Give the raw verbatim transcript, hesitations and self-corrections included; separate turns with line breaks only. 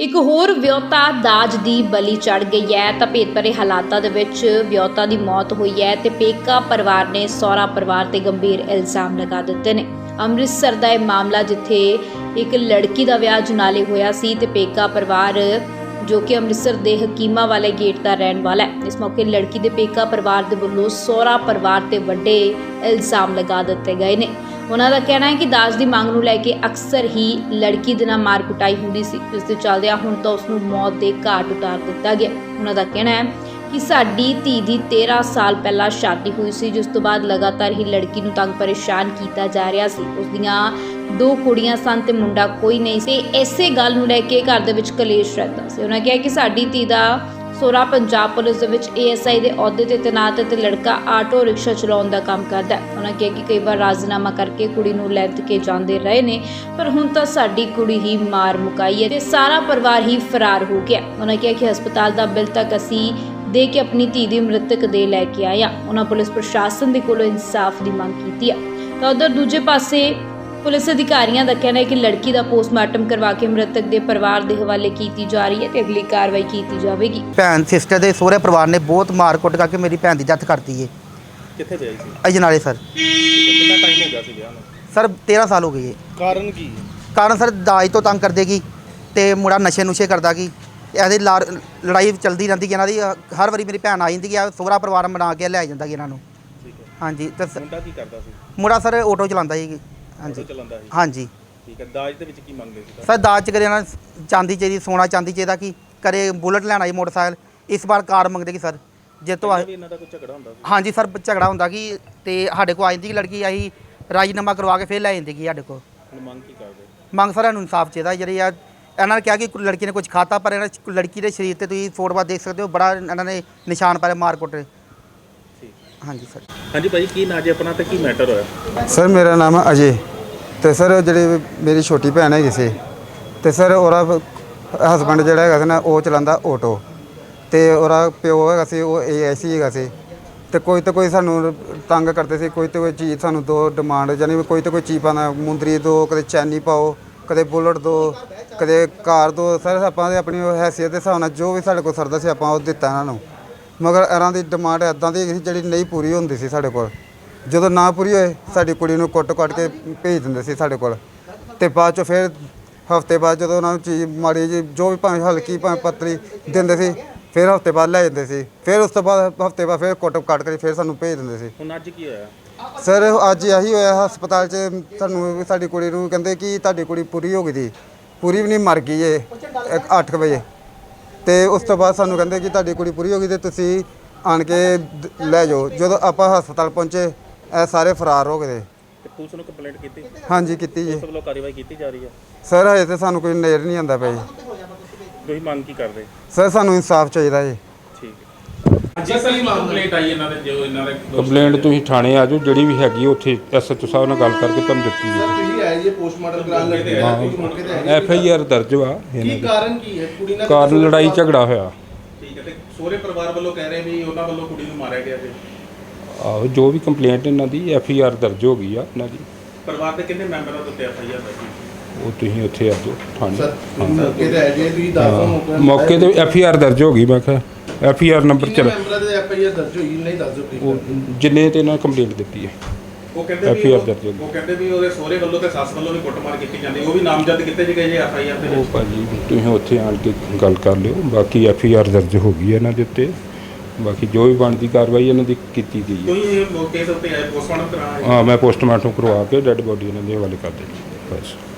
ਇੱਕ ਹੋਰ ਵਿਆਹੁਤਾ ਦਾਜ ਦੀ ਬਲੀ ਚੜ ਗਈ ਹੈ ਤਾਂ ਭੇਤ ਭਰੇ ਹਾਲਾਤਾਂ ਦੇ ਵਿੱਚ ਵਿਆਹੁਤਾ ਦੀ ਮੌਤ ਹੋਈ ਹੈ ਤੇ ਪੇਕਾ ਪਰਿਵਾਰ ਨੇ ਸਹੁਰਾ ਪਰਿਵਾਰ ਤੇ ਗੰਭੀਰ ਇਲਜ਼ਾਮ ਲਗਾ ਦਿੱਤੇ ਨੇ। ਅੰਮ੍ਰਿਤਸਰ ਦਾ ਇਹ ਮਾਮਲਾ ਜਿੱਥੇ ਇੱਕ ਲੜਕੀ ਦਾ ਵਿਆਹ ਜਨਾਲੇ ਹੋਇਆ ਸੀ ਤੇ ਪੇਕਾ ਪਰਿਵਾਰ ਜੋ ਕਿ ਅੰਮ੍ਰਿਤਸਰ ਦੇ ਹਕੀਮਾ ਵਾਲੇ ਗੇਟ ਦਾ ਰਹਿਣ ਵਾਲਾ ਹੈ। ਇਸ ਮੌਕੇ ਲੜਕੀ ਦੇ ਪੇਕਾ ਪਰਿਵਾਰ ਦੇ ਵੱਲੋਂ ਸਹੁਰਾ ਪਰਿਵਾਰ ਤੇ ਵੱਡੇ ਇਲਜ਼ਾਮ ਲਗਾ ਦਿੱਤੇ ਗਏ ਨੇ। ਉਹਨਾਂ ਦਾ ਕਹਿਣਾ ਹੈ ਕਿ ਦਾਜ ਦੀ ਮੰਗ ਨੂੰ ਲੈ ਕੇ ਅਕਸਰ ਹੀ ਲੜਕੀ ਦੇ ਨਾਲ ਮਾਰ ਕੁਟਾਈ ਹੁੰਦੀ ਸੀ, ਜਿਸ ਦੇ ਚੱਲਦਿਆਂ ਹੁਣ ਤਾਂ ਉਸ ਨੂੰ ਮੌਤ ਦੇ ਘਾਟ ਉਤਾਰ ਦਿੱਤਾ ਗਿਆ। ਉਹਨਾਂ ਦਾ ਕਹਿਣਾ ਹੈ ਕਿ ਸਾਡੀ ਧੀ ਦੀ ਤੇਰਾਂ ਸਾਲ ਪਹਿਲਾਂ ਸ਼ਾਦੀ ਹੋਈ ਸੀ, ਜਿਸ ਤੋਂ ਬਾਅਦ ਲਗਾਤਾਰ ਹੀ ਲੜਕੀ ਨੂੰ ਤੰਗ ਪਰੇਸ਼ਾਨ ਕੀਤਾ ਜਾ ਰਿਹਾ ਸੀ। ਉਸ ਦੀਆਂ ਦੋ ਕੁੜੀਆਂ ਸਨ ਤੇ ਮੁੰਡਾ ਕੋਈ ਨਹੀਂ ਸੀ। ਇਸੇ ਗੱਲ ਨੂੰ ਲੈ ਕੇ ਘਰ ਦੇ ਵਿੱਚ ਕਲੇਸ਼ ਰਹਿੰਦਾ ਸੀ। ਉਹਨਾਂ ਕਿਹਾ ਕਿ ਸਾਡੀ ਧੀ ਦਾ ਸਹੁਰਾ ਪੰਜਾਬ ਪੁਲਿਸ ਦੇ ਵਿੱਚ ਏ ਐਸ ਆਈ ਦੇ ਅਹੁਦੇ ਤੇ ਤੈਨਾਤ ਹੈ ਤੇ ਲੜਕਾ ਆਟੋ ਰਿਕਸ਼ਾ ਚਲਾਉਣ ਦਾ ਕੰਮ ਕਰਦਾ ਹੈ। ਉਹਨਾਂ ਕਿਹਾ ਕਿ ਕਈ ਵਾਰ ਰਾਜ਼ੀਨਾਮਾ ਕਰਕੇ ਕੁੜੀ ਨੂੰ ਲੈ ਕੇ ਜਾਂਦੇ ਰਹੇ ਨੇ, ਪਰ ਹੁਣ ਤਾਂ ਸਾਡੀ ਕੁੜੀ ਹੀ ਮਾਰ ਮੁਕਾਈ ਹੈ ਤੇ ਸਾਰਾ ਪਰਿਵਾਰ ਹੀ ਫਰਾਰ ਹੋ ਗਿਆ। ਉਹਨਾਂ ਕਿਹਾ ਕਿ ਹਸਪਤਾਲ ਦਾ ਬਿੱਲ ਤੱਕ ਅਸੀਂ ਦੇ ਕੇ ਆਪਣੀ ਧੀ ਦੀ ਮ੍ਰਿਤਕ ਦੇ ਲੈ ਕੇ ਆਇਆ। ਉਹਨਾਂ ਪੁਲਿਸ ਪ੍ਰਸ਼ਾਸਨ ਦੇ ਕੋਲੋਂ ਇਨਸਾਫ ਦੀ ਮੰਗ ਕੀਤੀ ਹੈ। ਤਾਂ ਉਧਰ ਦੂਜੇ ਪਾਸੇ ਪੁਲਿਸ ਅਧਿਕਾਰੀਆਂ ਦਾ ਕਹਿਣਾ ਹੈ ਕਿ ਲੜਕੀ ਦਾ ਪੋਸਟਮਾਰਟਮ ਕਰਵਾ ਕੇ ਮ੍ਰਿਤਕ ਦੇ ਪਰਿਵਾਰ ਦੇ ਹਵਾਲੇ ਕੀਤੀ ਜਾ ਰਹੀ ਹੈ ਤੇ ਅਗਲੀ ਕਾਰਵਾਈ ਕੀਤੀ ਜਾਵੇਗੀ।
ਭੈਣ ਸਿਸਟਰ ਦੇ ਸਹੁਰੇ ਪਰਿਵਾਰ ਨੇ ਬਹੁਤ ਮਾਰ ਕੁੱਟ ਕਰਕੇ ਮੇਰੀ ਭੈਣ ਦੀ ਡੈਥ ਕਰਤੀ ਏ।
ਕਿੱਥੇ ਵਿਆਹੀ ਸੀ?
ਅਜਨਾਲੇ ਸਰ।
ਕਿੰਨਾ ਟਾਈਮ ਹੋ ਗਿਆ ਸੀ ਵਿਆਹ ਨੂੰ?
ਸਰ ਤੇਰਾਂ ਸਾਲ ਹੋ ਗਏ ਏ।
ਕਾਰਨ ਕੀ?
ਕਾਰਨ ਸਰ ਦਾਜ ਤੋਂ ਤੰਗ ਕਰਦੇ ਕੀ ਤੇ ਮੁੰਡਾ ਨਸ਼ੇ ਨੁਸ਼ੇ ਕਰਦਾ ਕੀ। ਇਹਦੀ ਲੜਾਈ ਚੱਲਦੀ ਰਹਿੰਦੀ ਕਿ ਇਹਨਾਂ ਦੀ ਹਰ ਵਾਰੀ ਮੇਰੀ ਭੈਣ ਆ ਜਾਂਦੀ ਕਿ ਸਹੁਰਾ ਪਰਿਵਾਰ ਬਣਾ ਕੇ ਲੈ ਜਾਂਦਾ ਕਿ ਇਹਨਾਂ ਨੂੰ।
ਠੀਕ ਹੈ।
ਹਾਂਜੀ ਤੇ
ਮੁੰਡਾ ਕੀ ਕਰਦਾ ਸੀ?
ਮੁੰਡਾ ਸਰ ਆਟੋ ਚਲਾਉਂਦਾ ਸੀ। ਹਾਂਜੀ
ਚਲਾਉਂਦਾ ਸੀ।
ਹਾਂਜੀ
ਠੀਕ ਹੈ। ਦਾਜ ਦੇ ਵਿੱਚ ਕੀ ਮੰਗਦੇ ਸੀ?
ਸਰ ਦਾਜ ਚ ਕਰੇ ਇਹਨਾਂ ਚਾਂਦੀ ਚਾਹੀਦੀ, ਸੋਨਾ ਚਾਂਦੀ ਚਾਹੀਦਾ ਕੀ ਕਰੇ, ਬੁਲਟ ਲੈਣਾ ਜੀ ਮੋਟਰਸਾਈਕਲ। ਇਸ ਵਾਰ ਕਾਰ ਮੰਗਦੇ ਕਿ ਸਰ ਜੇ ਤੋਂ
ਇਹਨਾਂ ਦਾ ਕੋਈ ਝਗੜਾ ਹੁੰਦਾ ਸੀ?
ਹਾਂਜੀ ਸਰ ਝਗੜਾ ਹੁੰਦਾ ਕਿ ਤੇ ਸਾਡੇ ਕੋਲ ਆ ਜਾਂਦੀ ਕਿ ਲੜਕੀ ਆਹੀ ਰਾਜੀਨਾਮਾ ਕਰਵਾ ਕੇ ਫਿਰ ਲੈ ਜਾਂਦੀ ਕਿ ਸਾਡੇ ਕੋਲ।
ਹੁਣ ਮੰਗ ਕੀ ਕਰਦੇ?
ਮੰਗ ਸਰ ਨੂੰ ਇਨਸਾਫ ਚਾਹੀਦਾ। ਜਿਹੜੀ ਆ ਇਹਨਾਂ ਨੇ ਕਿਹਾ ਕਿ ਲੜਕੀ ਨੇ ਕੁਝ ਖਾਤਾ, ਪਰ ਇਹਨਾਂ ਲੜਕੀ ਦੇ ਸਰੀਰ ਤੇ ਤੁਸੀਂ ਫੋਟੋਆਂ ਦੇਖ ਸਕਦੇ ਹੋ, ਬੜਾ ਇਹਨਾਂ ਨੇ ਨਿਸ਼ਾਨ ਪਾਏ ਮਾਰ ਕੁੱਟ।
ਠੀਕ।
ਹਾਂਜੀ ਸਰ।
ਹਾਂਜੀ ਭਾਈ, ਕੀ ਨਾਂ ਜੀ ਆਪਣਾ ਤੇ ਕੀ ਮੈਟਰ ਹੋਇਆ?
ਸਰ ਮੇਰਾ ਨਾਮ ਹੈ ਅਜੇ ਤੇ ਸਰ ਜਿਹੜੀ ਮੇਰੀ ਛੋਟੀ ਭੈਣ ਹੈਗੀ ਸੀ ਤੇ ਸਰ ਉਹਦਾ ਹਸਬੈਂਡ ਜਿਹੜਾ ਹੈਗਾ ਸੀ ਨਾ ਉਹ ਚਲਾਉਂਦਾ ਆਟੋ ਤੇ ਉਹਦਾ ਪਿਓ ਹੈਗਾ ਸੀ ਉਹ ਏ ਐਸ ਸੀ ਹੈਗਾ ਸੀ ਤੇ ਕੋਈ ਤਾਂ ਕੋਈ ਸਾਨੂੰ ਤੰਗ ਕਰਦੇ ਸੀ। ਕੋਈ ਤਾਂ ਕੋਈ ਚੀਜ਼ ਸਾਨੂੰ ਦੋ ਡਿਮਾਂਡ ਯਾਨੀ ਕੋਈ ਤਾਂ ਕੋਈ ਚੀਜ਼ ਪਾਣਾ, ਮੁੰਦਰੀ ਦੋ, ਕਦੇ ਚੈਨੀ ਪਾਓ, ਕਦੇ ਬੁਲਟ ਦੋ, ਕਦੇ ਕਾਰ ਦੋ। ਸਰ ਆਪਾਂ ਦੇ ਆਪਣੀ ਹੈਸੀਅਤ ਦੇ ਹਿਸਾਬ ਨਾਲ ਜੋ ਵੀ ਸਾਡੇ ਕੋਲ ਸਰਦਾ ਸੀ ਆਪਾਂ ਉਹ ਦਿੱਤਾ ਇਹਨਾਂ ਨੂੰ, ਮਗਰ ਇਹਨਾਂ ਦੀ ਡਿਮਾਂਡ ਇੱਦਾਂ ਦੀ ਸੀ ਜਿਹੜੀ ਨਹੀਂ ਪੂਰੀ ਹੁੰਦੀ ਸੀ ਸਾਡੇ ਕੋਲ। ਜਦੋਂ ਨਾ ਪੂਰੀ ਹੋਏ ਸਾਡੀ ਕੁੜੀ ਨੂੰ ਕੁੱਟ ਕੱਟ ਕੇ ਭੇਜ ਦਿੰਦੇ ਸੀ ਸਾਡੇ ਕੋਲ ਤੇ ਬਾਅਦ 'ਚੋਂ ਫਿਰ ਹਫ਼ਤੇ ਬਾਅਦ ਜਦੋਂ ਉਹਨਾਂ ਨੂੰ ਚੀਜ਼ ਮਾੜੀ ਜੀ ਜੋ ਵੀ ਭਾਵੇਂ ਹਲਕੀ ਭਾਵੇਂ ਪਤਲੀ ਦਿੰਦੇ ਸੀ ਫਿਰ ਹਫ਼ਤੇ ਬਾਅਦ ਲੈ ਜਾਂਦੇ ਸੀ। ਫਿਰ ਉਸ ਤੋਂ ਬਾਅਦ ਹਫ਼ਤੇ ਬਾਅਦ ਫਿਰ ਕੁੱਟ ਕੱਟ ਕੇ ਫਿਰ ਸਾਨੂੰ ਭੇਜ ਦਿੰਦੇ ਸੀ।
ਹੁਣ ਅੱਜ ਕੀ ਹੋਇਆ?
ਸਰ ਅੱਜ ਇਹੀ ਹੋਇਆ ਹਸਪਤਾਲ 'ਚ ਸਾਨੂੰ ਸਾਡੀ ਕੁੜੀ ਨੂੰ ਕਹਿੰਦੇ ਕਿ ਤੁਹਾਡੀ ਕੁੜੀ ਪੂਰੀ ਹੋ ਗਈ ਸੀ, ਪੂਰੀ ਵੀ ਨਹੀਂ ਮਰ ਗਈ ਏ ਅੱਠ ਕੁ ਵਜੇ ਤੇ ਉਸ ਤੋਂ ਬਾਅਦ ਸਾਨੂੰ ਕਹਿੰਦੇ ਕਿ ਤੁਹਾਡੀ ਕੁੜੀ ਪੂਰੀ ਹੋ ਗਈ ਤੇ ਤੁਸੀਂ ਆਣ ਕੇ ਲੈ ਜਾਓ। ਜਦੋਂ ਆਪਾਂ ਹਸਪਤਾਲ ਪਹੁੰਚੇ ਇਹ ਸਾਰੇ ਫਰਾਰ ਹੋ ਗਏ।
ਤੇ ਪੁਲਿਸ ਨੂੰ ਕੰਪਲੇਂਟ ਕੀਤੀ?
ਹਾਂਜੀ ਕੀਤੀ ਜੀ।
ਉਸ ਵੱਲੋਂ ਕਾਰਵਾਈ ਕੀਤੀ ਜਾ ਰਹੀ ਹੈ?
ਸਰ ਹਜੇ ਤੇ ਸਾਨੂੰ ਕੋਈ ਨਜ਼ਰ ਨਹੀਂ ਆਉਂਦਾ ਪਿਆ ਜੀ।
ਤੁਸੀਂ ਮੰਗ ਕੀ ਕਰਦੇ?
ਸਰ ਸਾਨੂੰ ਇਨਸਾਫ ਚਾਹੀਦਾ ਜੀ।
ਠੀਕ ਹੈ। ਅੱਜ ਸਰ ਕੰਪਲੇਂਟ ਆਈ ਇਹਨਾਂ ਦੇ ਜੋ ਇਹਨਾਂ ਦੇ
ਕੰਪਲੇਂਟ ਤੁਸੀਂ ਥਾਣੇ ਆ ਜਾਓ, ਜਿਹੜੀ ਵੀ ਹੈਗੀ ਉੱਥੇ ਐਸ ਐਚ ਓ ਸਾਹਿਬ ਨਾਲ ਗੱਲ ਕਰਕੇ ਤੁਹਾਨੂੰ ਦਿੱਤੀ
ਸਰ
ਹੈ।
ਤੁਸੀਂ ਆਏ ਜੀ ਪੋਸਟਮਾਰਟਮ ਕਰਾਉਣ ਲੱਗੇ ਆ ਕੁਝ ਮੌਕੇ ਤੇ
ਐਫ ਆਈ ਆਰ ਦਰਜ ਵਾ ਇਹਨਾਂ
ਕੀ
ਦੀ।
ਕਾਰਨ ਕੀ ਹੈ? ਕੁੜੀ ਨਾਲ
ਕਾਰਨ ਲੜਾਈ ਝਗੜਾ ਹੋਇਆ।
ਠੀਕ ਹੈ। ਤੇ ਸਹੁਰੇ ਪਰਿਵਾਰ ਵੱਲੋਂ ਕਹਿ ਰਹੇ ਵੀ ਉਹਨਾਂ ਵੱਲੋਂ ਕੁੜੀ ਨੂੰ ਮਾਰਿਆ ਗਿਆ ਜੀ।
ਆਹੋ ਜੋ ਵੀ ਕੰਪਲੇਂਟ ਇਹਨਾਂ ਦੀ ਐਫ ਆਈ ਆਰ ਦਰਜ ਹੋ ਗਈ ਆ ਇਹਨਾਂ ਦੀ।
ਪਰਿਵਾਰ ਦੇ ਕਿੰਨੇ ਮੈਂਬਰਾਂ ਦੇ ਉੱਤੇ ਐਫ ਆਈ ਆਰ ਦਰਜ?
ਉਹ ਤੁਸੀਂ ਉੱਥੇ ਆ ਜਾਓ ਥਾਣੇ।
ਸਰ ਮੌਕੇ ਤੇ ਆਏ ਜੀ ਤੁਸੀਂ ਦੱਸੋ
ਹਾਂ, ਮੌਕੇ ਤੇ ਐਫ ਆਈ ਆਰ ਦਰਜ ਹੋ ਗਈ। ਮੈਂ ਕਿਹਾ ਐਫ ਆਈ ਆਰ ਨੰਬਰ
ਕਿੰਨੇ
ਚੱਲ
ਮੈਂਬਰਾਂ ਦੇ ਐਫ ਆਈ ਆਰ ਦਰਜ ਹੋਈ ਨਹੀਂ ਦੱਸ ਦਿਓ
ਉਹ
ਪਲੀਜ਼।
ਜਿੰਨੇ ਤੇ ਇਹਨਾਂ ਕੰਪਲੇਂਟ ਦਿੱਤੀ ਹੈ
ਉਹ ਕਹਿੰਦੇ
ਐਫ ਆਈ
ਵੀ
ਆਰ
ਉਹ
ਦਰਜ ਹੋ ਗਈ।
ਉਹ ਕਹਿੰਦੇ ਵੀ ਉਹਦੇ ਸਹੁਰੇ ਵੱਲੋਂ ਤੇ ਸੱਸ ਵੱਲੋਂ ਵੀ ਕੁੱਟਮਾਰ ਕੀਤੀ ਜਾਂਦੀ, ਉਹ ਵੀ ਨਾਮਜ਼ਦ ਕੀਤੇ ਜੀ ਗਏ ਜੀ ਐਫ ਆਈ ਆਰ ਦੇ
ਉਹ
ਵਿੱਚ।
ਭਾਜੀ ਤੁਸੀਂ ਉੱਥੇ ਆਣ ਕੇ ਗੱਲ ਕਰ ਲਿਓ। ਬਾਕੀ ਐਫ ਆਈ ਆਰ ਦਰਜ ਹੋ ਗਈ ਹੈ ਇਹਨਾਂ ਦੇ ਉੱਤੇ। ਬਾਕੀ ਜੋ ਵੀ ਬਣਦੀ ਕਾਰਵਾਈ ਇਹਨਾਂ ਦੀ ਕੀਤੀ ਗਈ ਹੈ।
ਤੁਸੀਂ ਮੌਕੇ ਦੇ ਉੱਤੇ ਆਏ ਪੋਸਟਮਾਰਟਮ ਕਰਾਉਣ?
ਹਾਂ, ਮੈਂ ਪੋਸਟਮਾਰਟਮ ਕਰਵਾ ਕੇ ਡੈੱਡ ਬੋਡੀ ਇਹਨਾਂ ਦੇ ਹਵਾਲੇ ਕਰ ਦਿੱਤੀ ਬਸ।